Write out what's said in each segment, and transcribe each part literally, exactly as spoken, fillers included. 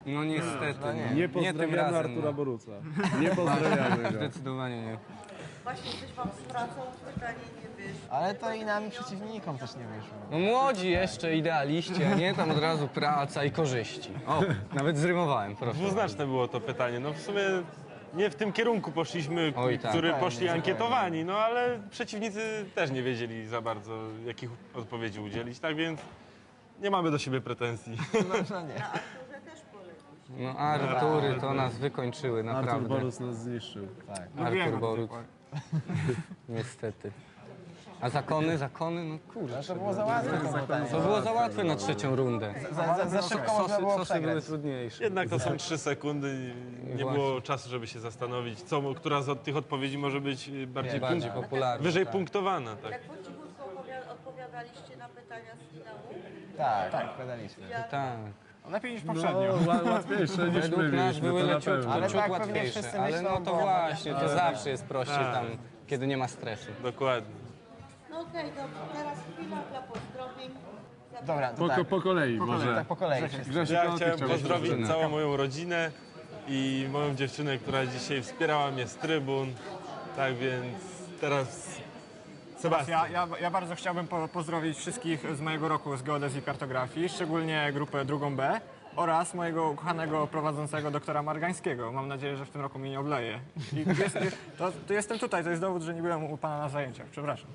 No niestety. No, nie. no. Nie tym pozdrawiamy razem, Artura no. Boruca. Nie pozdrawiamy go. Zdecydowanie nie. Właśnie, coś wam z pracą pytanie nie wyszło. Ale to i nam przeciwnikom też nie wyszło. No młodzi jeszcze, idealiści, a nie tam od razu praca i korzyści. O, nawet zrymowałem, proszę. Dwuznaczne było to pytanie. No w sumie nie w tym kierunku poszliśmy, Oj, tak. który Zupełnie, poszli ankietowani, no ale przeciwnicy też nie wiedzieli za bardzo, jakich odpowiedzi udzielić, tak więc nie mamy do siebie pretensji. No, no nie. Na Arturze też polegliście. No Artury to nas wykończyły, Artur naprawdę. Borus nas zniszczył. Tak. Artur Boruc. Niestety. A zakony, zakony, no kurczę. To było za łatwe to pytanie. To było za łatwe na trzecią rundę. Za, za, za szybko można Sosy, było sosy były przegrać. trudniejsze. Jednak to są trzy sekundy i nie Właśnie. było czasu, żeby się zastanowić, co, która z od tych odpowiedzi może być bardziej, Bardziej punkt, popularne. wyżej punktowana. Tak. Tak po cichutku opowiada- odpowiadaliście na pytania z finału? Tak, tak, odpowiadaliśmy. Tak. Lepiej niż No, poprzednio. ła- łatwiejsze niż Według my nas mieliśmy, były to na leciutko, pewno. Ale ciut tak pewnie łatwiejsze. wszyscy Ale myślą, no to bo- właśnie, to zawsze jest prościej tam, kiedy nie ma stresu. Dokładnie. No okej, dobrze. Teraz chwila dla pozdrowień. Dobra, to Po, tak. po kolei może. Tak po kolei. wszyscy. Grzesiu, Ja kogo ty chciałem chciałbyś pozdrowić pozdrowić? całą moją rodzinę i moją dziewczynę, która dzisiaj wspierała mnie z trybun. Tak więc teraz Sebastian. Ja, ja, ja bardzo chciałbym po, pozdrowić wszystkich z mojego roku z geodezji i kartografii, szczególnie grupę drugą B oraz mojego ukochanego prowadzącego doktora Margańskiego. Mam nadzieję, że w tym roku mnie nie obleje. I jest, to, to jestem tutaj, to jest dowód, że nie byłem u pana na zajęciach. Przepraszam.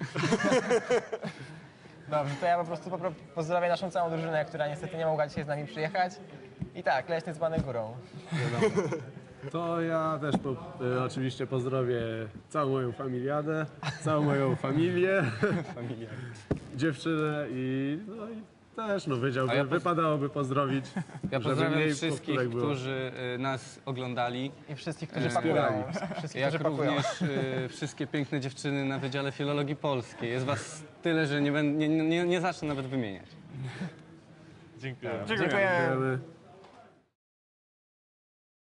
Dobrze, to ja po prostu popro- pozdrowię naszą całą drużynę, która niestety nie mogła dzisiaj z nami przyjechać. I tak, Leśny dzbany górą. To ja też po, e, oczywiście pozdrowię całą moją familiadę, całą moją familię, dziewczynę i, no i też no, wiedziałbym, A ja poz- wypadałoby pozdrowić. Ja żeby pozdrawiam mniej wszystkich, powtórek było. którzy y, nas oglądali, I wszystkich, którzy Eee, pakują. wspierali. Wszystkich, jak którzy pakują. również y, wszystkie piękne dziewczyny na Wydziale Filologii Polskiej. Jest was tyle, że nie, będę, nie, nie, nie zacznę nawet wymieniać. Dziękuję. Dziękuję. Dziękujemy.